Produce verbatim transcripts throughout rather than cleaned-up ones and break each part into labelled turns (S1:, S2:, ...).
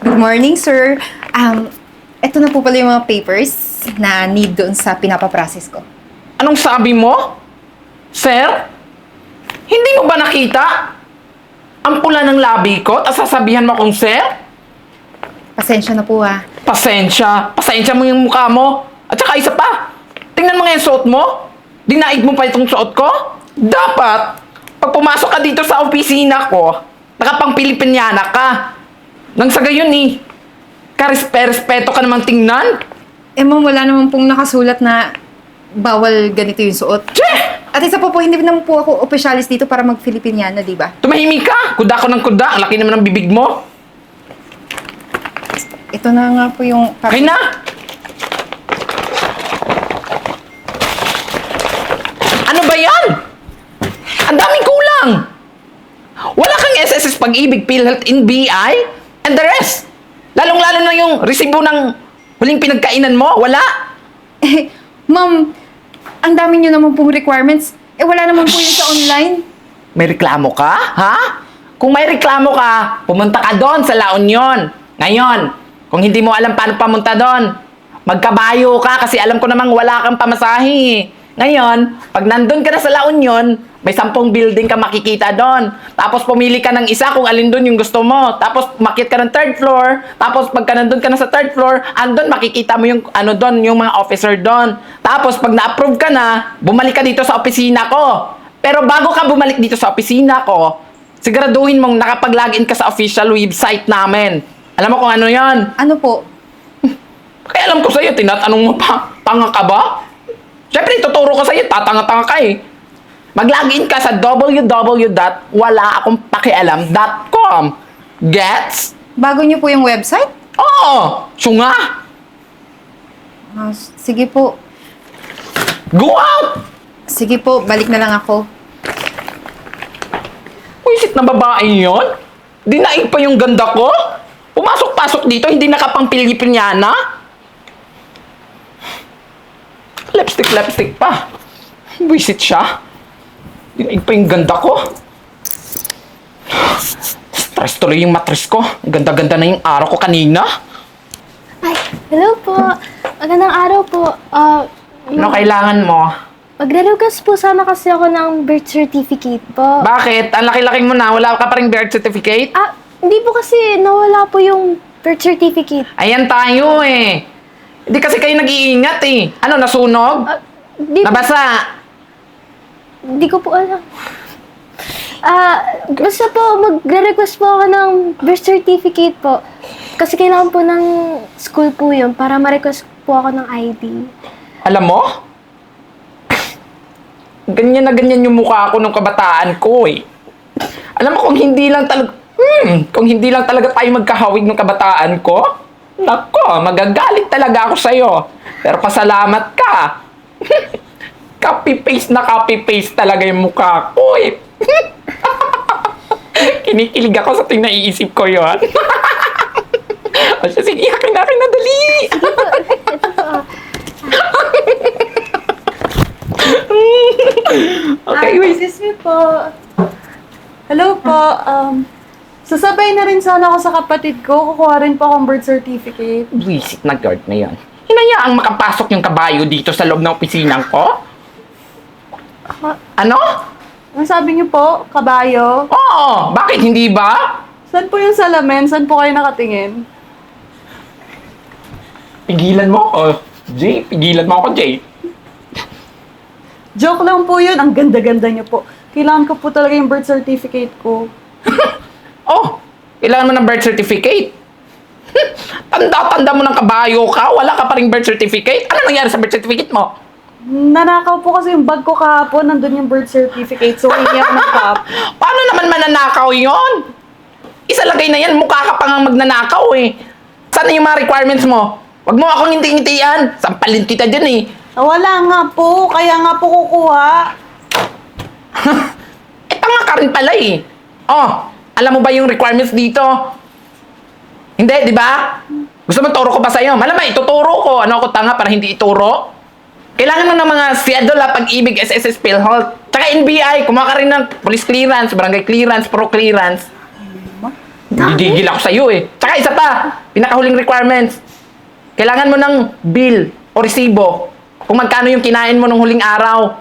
S1: Good morning, sir. Um, eto na po pala yung mga papers na need doon sa pinapaprocess ko.
S2: Anong sabi mo? Sir? Hindi mo ba nakita? Ang pula ng labi ko, at sasabihan mo akong sir?
S1: Pasensya na po ha.
S2: Pasensya. Pasensya mo yung mukha mo. At saka isa pa. Tingnan mo nga yung suot mo. Dinaig mo pa itong suot ko. Dapat, pag pumasok ka dito sa opisina ko, nakapang Pilipinyana ka. Nang sa gayon eh, karespe-respeto ka namang tingnan.
S1: Eh ma'am, wala naman pong nakasulat na bawal ganito yung suot.
S2: Che!
S1: At isa po po, hindi naman po ako opisyalis dito para mag-Filipiniana, di ba?
S2: Tumahimik ka! Kuda ko ng kuda. Ang laki naman ng bibig mo.
S1: Ito na nga po yung...
S2: Okay na! Ano ba yan? Ang daming kulang! Wala kang S S S Pag-ibig, PhilHealth, N B I, and the rest. Lalong-lalo na yung resibo ng huling pinagkainan mo. Wala!
S1: Eh, ma'am, ang dami nyo naman pong requirements. Eh, wala naman po yun sa online.
S2: May reklamo ka? Ha? Kung may reklamo ka, pumunta ka doon sa La Union. Ngayon, kung hindi mo alam paano pamunta doon, magkabayo ka kasi alam ko namang wala kang pamasahe. Ngayon, pag nandun ka na sa La Union, may sampung building ka makikita doon. Tapos pumili ka ng isa kung alin doon yung gusto mo. Tapos makit ka ng third floor. Tapos pagka nandun ka na sa third floor, andun makikita mo yung ano doon, yung mga officer doon. Tapos pag na-approve ka na, bumalik ka dito sa opisina ko. Pero bago ka bumalik dito sa opisina ko, siguraduhin mong nakapag-login ka sa official website namin. Alam mo kung ano yan?
S1: Ano po?
S2: Kaya alam ko sa'yo, tinatanong mo pa, tanga ka ba? Siyempre, tuturo ko sa'yo, tatanga-tanga ka eh. Mag-login ka sa w w w dot wala akong pakialam dot com. Gets?
S1: Bago nyo po yung website?
S2: Oo! Syunga!
S1: Ah, sige po.
S2: Go out!
S1: Sige po, balik na lang ako.
S2: Wisit na babae yon? Dinaig pa yung ganda ko? Pumasok-pasok dito, hindi nakapang Pilipinyana? Lipstick-lipstick pa. Wisit siya. Dinaig pa yung ganda ko. Stress tuloy yung matris ko. Ganda-ganda na yung araw ko kanina.
S3: Ay, hello po. Magandang araw po. Ah,
S2: Ano kailangan mo?
S3: magre-request po sana kasi ako ng birth certificate po.
S2: Bakit? Ang laki-laki mo na. Wala ka pa rin birth certificate?
S3: Ah, hindi po kasi nawala po yung birth certificate.
S2: Ayan tayo eh. Hindi kasi kayo nag-iingat eh. Ano, nasunog?
S3: Ah, di,
S2: Nabasa?
S3: di ko po alam. Ah, basta po, magre-request po ako ng birth certificate po. Kasi kailangan po ng school po yun para ma-request po ako ng I D.
S2: Alam mo? Ganyan na ganyan yung mukha ko nung kabataan ko eh. Alam mo kung hindi lang talaga... Hmm, kung hindi lang talaga tayo magkahawig ng kabataan ko, nako, magagalit talaga ako sa'yo. Pero pasalamat ka. Copy-paste na copy-paste talaga yung mukha ko eh. Kinikilig ako sa ting naiisip ko yun. O siya, sige, akin na, akin na, dali. Okay,
S4: Ah,
S2: wait.
S4: excuse me po. Hello po. Um, sasabay na rin sana ako sa kapatid ko. Kukuha rin po akong birth certificate.
S2: Visit na guard na yan. Hinayaang makapasok yung kabayo dito sa loob ng opisinang ko?
S4: Ma-
S2: Ano?
S4: Ang sabi niyo po, kabayo.
S2: Oo, bakit hindi ba?
S4: Saan po yung salamin? Saan po kayo nakatingin?
S2: Pigilan mo ako, Jay. Pigilan mo ako, Jay.
S4: Joke lang po yun. Ang ganda-ganda niyo po. Kailangan ko po talaga yung birth certificate ko.
S2: Oh, kailangan mo ng birth certificate. Tanda-tanda mo ng kabayo ka, wala ka pa ring birth certificate. Ano nangyari sa birth certificate mo?
S4: Nanakaw po kasi yung bag ko kahapon. Nandun yung birth certificate. So, hindi ako ng cup.
S2: Paano naman mananakaw yon? Isalagay na yan, mukha ka pa nga magnanakaw eh. Sana yung mga requirements mo? Wag mo akong ngiti-ngitian. Sampalin kita dyan eh.
S4: Wala nga po. Kaya nga po kukuha.
S2: Eh, tanga ka rin pala eh. Oh, alam mo ba yung requirements dito? Hindi, di ba? Gusto mo turo ko pa sa'yo? Malamang ituturo ko. Ano ako tanga para hindi ituro? Kailangan mo ng mga Siadola, Pag-ibig, S S S, PhilHealth. Tsaka N B I, kumuha ka rin ng police clearance, barangay clearance, pro clearance. Gigigil ako sa'yo eh. Tsaka isa pa, pinakahuling requirements. Kailangan mo ng bill o resibo kung magkano yung kinain mo nung huling araw.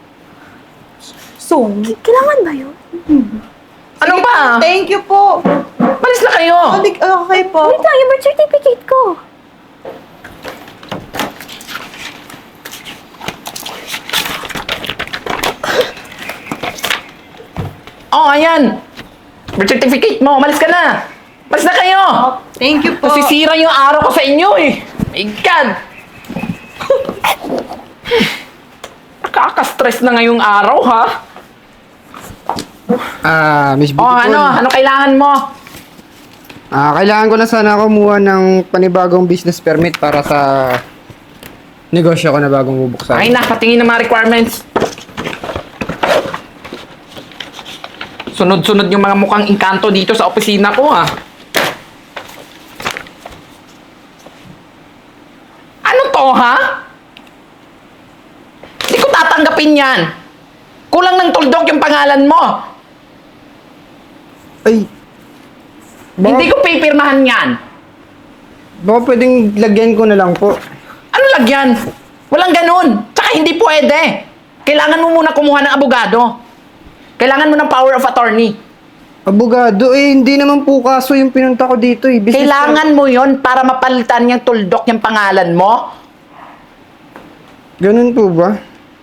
S4: So,
S3: Kailangan ba yun?
S2: Ano ba?
S4: thank you po.
S2: Malis na kayo.
S4: Balik, okay po.
S3: Wait lang, yung birth certificate ko.
S2: Oh, ayan. Birth certificate mo. Malis ka na. Malis na kayo.
S4: Thank you po.
S2: Nasisira yung araw ko sa inyo eh. My God. Nakaka-stress na ngayong araw, ha?
S5: Ah, Miss
S2: Oh,
S5: Beautiful.
S2: ano? Ano kailangan mo?
S5: Ah, kailangan ko na sana kumuha ng panibagong business permit para sa negosyo ko na bagong bubuksan.
S2: Ay na, patingin ng mga requirements. Sunod-sunod yung mga mukhang engkanto dito sa opisina ko, ha? Ano to, ha? Hindi ko tatanggapin yan. Kulang ng tuldok yung pangalan mo.
S5: Ay, baka,
S2: Hindi ko pipirmahan yan.
S5: baka pwedeng lagyan ko na lang po.
S2: Ano lagyan? Walang ganun. Tsaka hindi pwede. Kailangan mo muna kumuha ng abogado. Kailangan mo ng power of attorney.
S5: Abogado, eh, hindi naman po kaso yung pinunta ko dito eh. Business
S2: Kailangan mo yon para mapalitan yung tuldok yung pangalan mo.
S5: Ganun po ba?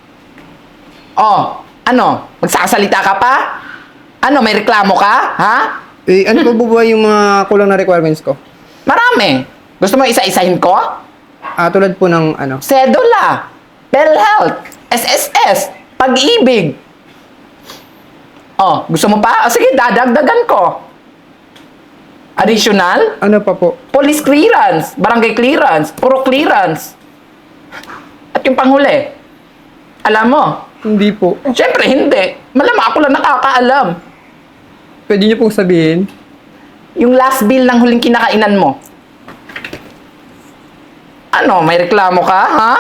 S2: Oh, ano? Magsasalita ka pa? Ano, may reklamo ka? Ha?
S5: Eh, ano pa po ba yung mga kulang na requirements ko?
S2: Marami. Gusto mo isa-isahin ko?
S5: Ah, tulad po ng ano.
S2: Sedula, PhilHealth, S S S, Pag-ibig. Oh, gusto mo pa? Oh, sige, dadagdagan ko. Additional,
S5: Ano pa po?
S2: police clearance, barangay clearance, puro clearance. At yung panghuli, alam mo,
S5: Hindi po.
S2: syempre hindi. Malamang ako lang nakakaalam.
S5: Pwede niyo pong sabihin?
S2: Yung last bill ng huling kinakainan mo. Ano, may reklamo ka, ha?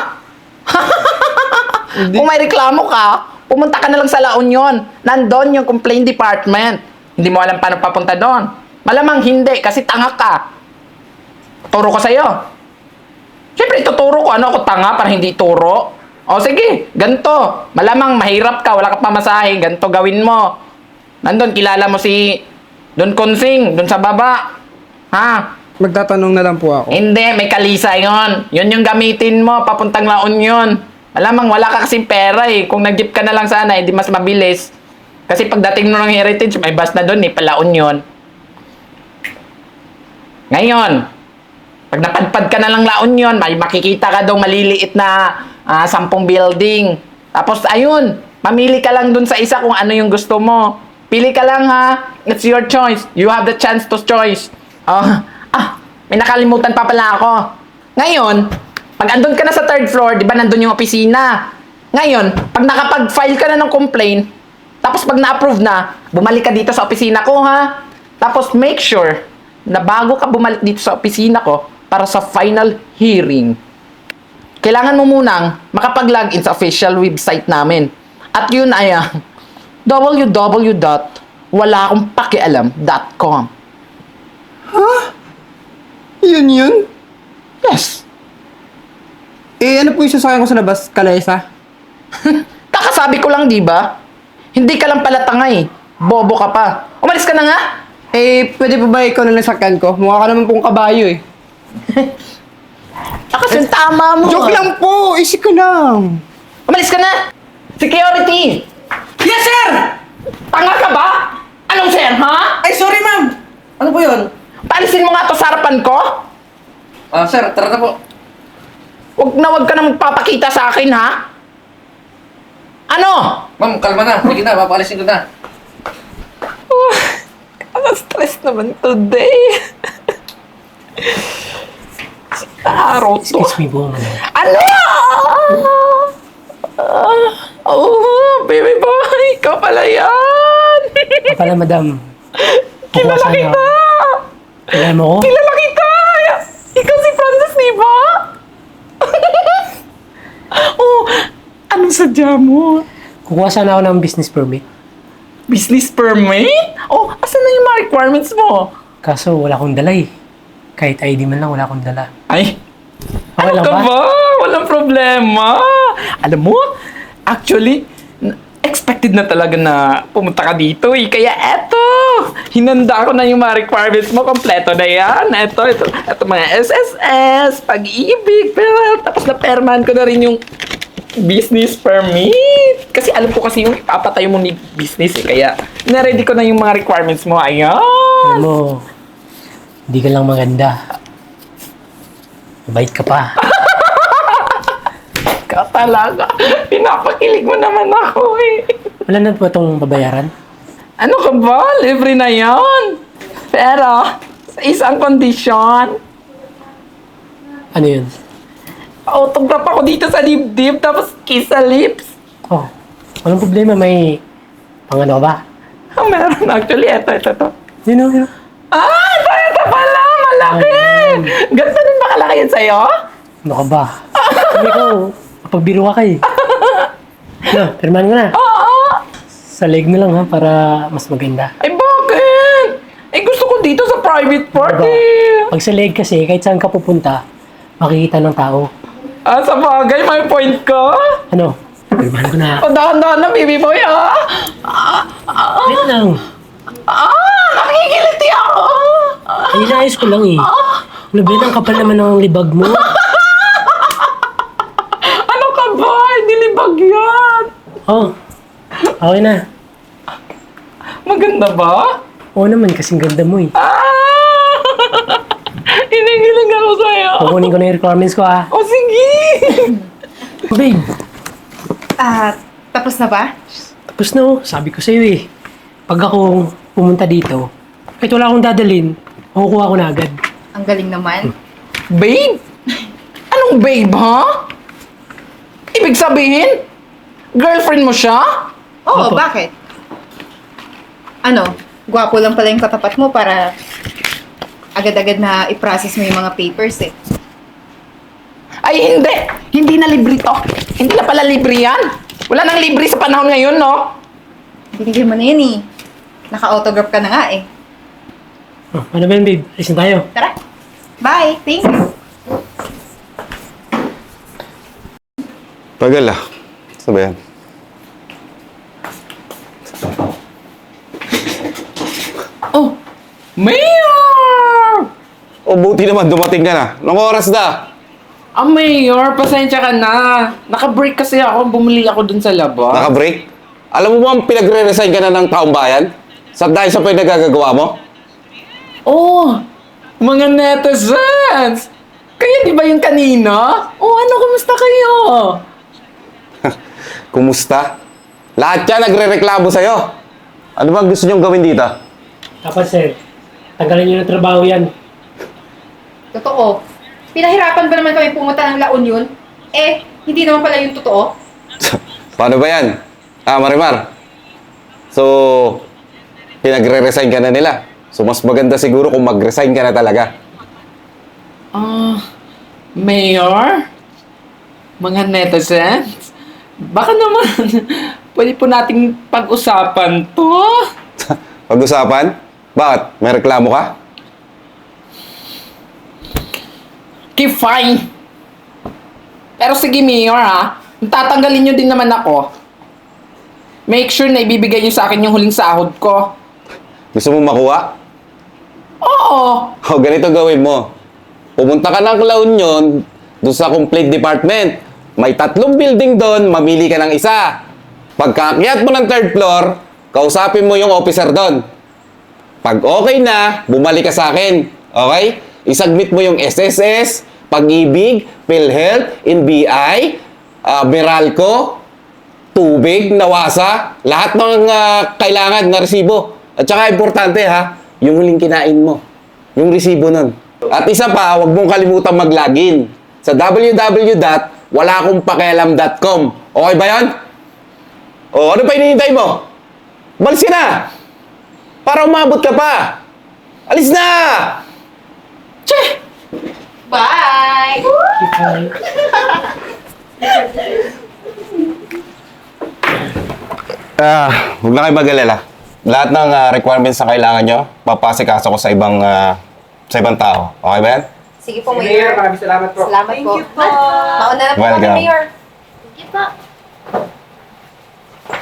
S2: Kung may reklamo ka, pumunta ka na lang sa La Union. Nandun yung complaint department. Hindi mo alam paano papunta doon. Malamang hindi, kasi tanga ka. Turo ko sa'yo. Siyempre, ituturo ko. Ano ako, tanga para hindi turo? O sige, ganito. Malamang mahirap ka, wala ka pamasahe. Ganito gawin mo. Nandun, kilala mo si Don Consing, doon sa baba. Ha?
S5: Magtatanong na lang po ako.
S2: Hindi, may kalisa yon. Yun yung gamitin mo, papuntang La Union. Alamang wala ka kasing pera eh. Kung nag-jeep ka na lang sana, hindi mas mabilis. Kasi pagdating mo ng Heritage, may bus na doon eh, pa La Union. Ngayon, pag napadpad ka na lang La Union, may makikita ka daw maliliit na ah, sampung building. Tapos ayun, mamili ka lang dun sa isa kung ano yung gusto mo. Pili ka lang ha. It's your choice. You have the chance to choice. Oh, ah, may nakalimutan pa pala ako. Ngayon, pag andun ka na sa third floor, di ba nandun yung opisina? Ngayon, pag nakapag-file ka na ng complaint, tapos pag na-approve na, bumalik ka dito sa opisina ko ha. Tapos make sure na bago ka bumalik dito sa opisina ko para sa final hearing, kailangan mo munang makapag-login sa official website namin. At yun ay uh, w w w dot wala akong pakialam dot com.
S5: Yun yun?
S2: Yes.
S5: Eh, ano po yung sasakyan ko sa labas? Kalesa?
S2: Kakasabi ko lang, di ba? Hindi ka lang pala tanga eh. Bobo ka pa. Umalis ka na nga.
S5: Eh, pwede pa ba ikaw na nasakyan ko? Mukha ka naman pong kabayo eh.
S2: Ah, kasi tama mo.
S5: Joke lang po! Isip ko lang!
S2: Umalis ka na. Security.
S6: Yes, sir!
S2: Tanga ka ba? Anong sir, ha?
S6: Ay, sorry, ma'am! Ano po yun?
S2: Paalisin mo nga to sa harapan ko.
S6: Ah, sir, tara na po.
S2: Huwag na huwag ka na magpapakita sa akin, ha? Ano?
S6: Ma'am, kalma na. Sige na, papalisin ko na.
S2: Ang stress naman today. Sa araw to.
S7: Excuse me po, madam.
S2: Ano? Ah, oh, baby boy, ikaw pala yan.
S7: Ikaw pala, madam.
S2: Kilala
S7: Kukuha
S2: kita.
S7: sana- Kilala mo ko?
S2: Kilala kita. Ikaw si Francis, di ba? Oh, anong sadya mo?
S7: Kukuha sana ako ng business permit.
S2: Business permit? Oh, asan na yung mga requirements mo?
S7: Kaso wala akong dala eh. Kahit I D man lang, wala akong dala.
S2: Ay,
S7: Okay lang
S2: ano ka
S7: ba?
S2: ba? Walang problema. Alam mo, actually, n- expected na talaga na pumunta ka dito eh. Kaya eto, hinanda ko na yung mga requirements mo. Kompleto na yan. Eto, eto, eto mga S S S, pag-ibig, pero tapos na perman ko na rin yung business permit. Kasi alam ko kasi yung ipapatayo mo ni business eh. Kaya, na-ready ko na yung mga requirements mo. Ayan.
S7: Alam mo, hindi ka lang maganda. Mabait ka pa.
S2: Ka talaga. Pinapakilig mo naman ako eh.
S7: Wala na po itong babayaran?
S2: Ano ka ba? Libre na yan. Pero, sa isang kondisyon,
S7: Ano yun?
S2: autograph ako dito sa dibdib, tapos kiss sa lips.
S7: Oh, walang problema. May pangano ka ba?
S2: Ah, meron actually. Ito, ito, ito.
S7: Yun o, yun o.
S2: Ah, ito, ito pala. Malaki. Ganito din ba kalaki yan sa'yo?
S7: Ano ka ba? Sabi ko, pagbiro ka kay. No, pirmahan ko na.
S2: Oo.
S7: Sa leg na lang ha, para mas maganda.
S2: Ay, bakit? Eh, gusto ko dito sa private party.
S7: Diba? Pag sa leg kasi, kahit saan ka pupunta, makikita ng tao.
S2: Ah, sa bagay, may point ka.
S7: Ano? Pirmahan ko na.
S2: O, dahan-dahan na, baby boy, ah.
S7: Wait lang.
S2: Ah, nakikiliti ako.
S7: Ay, inaayos ko lang eh. Ano ba yun? Ang kapal naman ng libag mo.
S2: Ano ka ba? Hindi libag yan.
S7: Oh, okay na.
S2: Maganda ba?
S7: Oo naman, kasing ganda mo eh.
S2: Ah! Hinihiling ako sa'yo.
S7: Kukunin ko na yung requirements ko ah.
S2: O, sige.
S7: Babe,
S1: Ah, tapos na ba?
S7: tapos na oh. Sabi ko sa'yo eh. Pag ako pumunta dito, kahit wala akong dadalhin, makukuha ko na agad.
S1: Ang galing naman.
S2: Babe? Anong babe, ha? Ibig sabihin, girlfriend mo siya?
S1: Oo,
S7: Opo.
S1: bakit? Ano, gwapo lang pala yung katapat mo para agad-agad na i-process mo yung mga papers eh.
S2: Ay, hindi. Hindi na libre to. Hindi na pala libre yan. Wala nang libre sa panahon ngayon, no?
S1: Binigyan mo na yun eh. Naka-autograph ka na nga eh.
S7: Oh, ano ba yun babe? Alisin tayo.
S1: Tara. Bye. Thank you.
S8: Tagal ah. Saan ba yan?
S2: Oh, Mayor!
S8: O buti naman dumating ka na. Anong oras na?
S2: Ah, Mayor, pasensya ka na. Naka-break kasi ako. Bumili ako dun sa labas.
S8: Naka-break? Alam mo ba ang pinagre-resign ka na ng taong bayan? Sa dahil sa pinagagagawa mo?
S2: Oh, mga netizens! Kayo di ba yung kanina? Oh, ano, kumusta kayo?
S8: Kumusta? Lahat yan nagre-reklamo sa'yo. Ano bang gusto niyong gawin dito?
S7: Dapat sir, tanggalin nyo ng trabaho yan.
S1: Totoo. Pinahirapan ba naman kami pumunta ng La Union? Eh, hindi naman pala yung totoo.
S8: Paano ba yan? Ah, Marimar. So, pinagre-resign ka na nila. So, mas maganda siguro kung mag-resign ka na talaga.
S2: Ah, Mayor? Mga netizens? Baka naman, pwede po nating pag-usapan to.
S8: Pag-usapan? Bakit? May reklamo ka?
S2: Okay, fine. Pero sige, Mayor, ha? Tatanggalin nyo din naman ako. Make sure na ibibigay nyo sa akin yung huling sahod ko.
S8: Gusto mo makuha?
S2: Oo.
S8: O, ganito gawin mo. Pumunta ka ng La Union, doon sa complete department. May tatlong building doon, mamili ka ng isa. Pagkaakyat mo ng third floor, kausapin mo yung officer doon. Pag okay na, bumalik ka sa akin. Okay? Isubmit mo yung S S S, Pag-ibig, PhilHealth, N B I, uh, Meralco, tubig, nawasa, lahat ng uh, kailangan na resibo. At saka importante ha, yung huling kinain mo. Yung resibo nun. At isa pa, huwag mong kalimutan mag-login sa w w w dot wala akong pakialam dot com. Okay ba yan? O, ano pa hinihintay mo? Balis ka na! Para umabot ka pa! Alis na!
S2: Che!
S1: Bye!
S8: Ah, huwag na kayo mag-alala. lahat ng ah, requirements na kailangan nyo, papasikaso ko sa ibang ah, sa ibang tao. Okay ba yan?
S1: Sige po, Mayor.
S5: Maraming salamat po.
S1: Salamat
S4: Thank
S1: po.
S4: you po.
S1: Mauna na po kami,
S8: Welcome.
S1: Mayor.